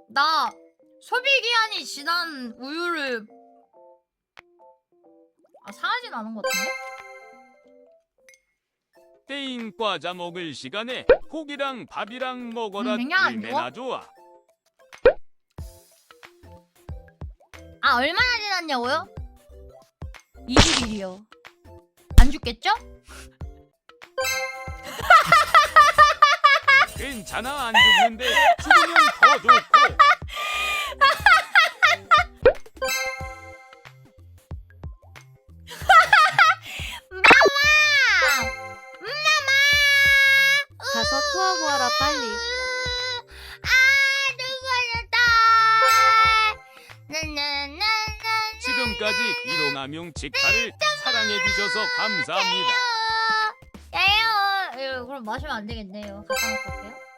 나 소비기한이 지난 우유를 상하진 않은 것 같은데? 때인 과자 먹을 시간에 고기랑 밥이랑 먹어라. 그냥 안 얼마나 좋아. 아 얼마나 지났냐고요? 20일이요. 안 죽겠죠? 괜찮아, 안 죽는데 죽으면 더 좋고. 가서 토하고 와라 빨리. 지금까지 일용함용 직카를 사랑해주셔서 감사합니다. 야요. 그럼 마시면 안 되겠네요. 갖다 놓고 올게요.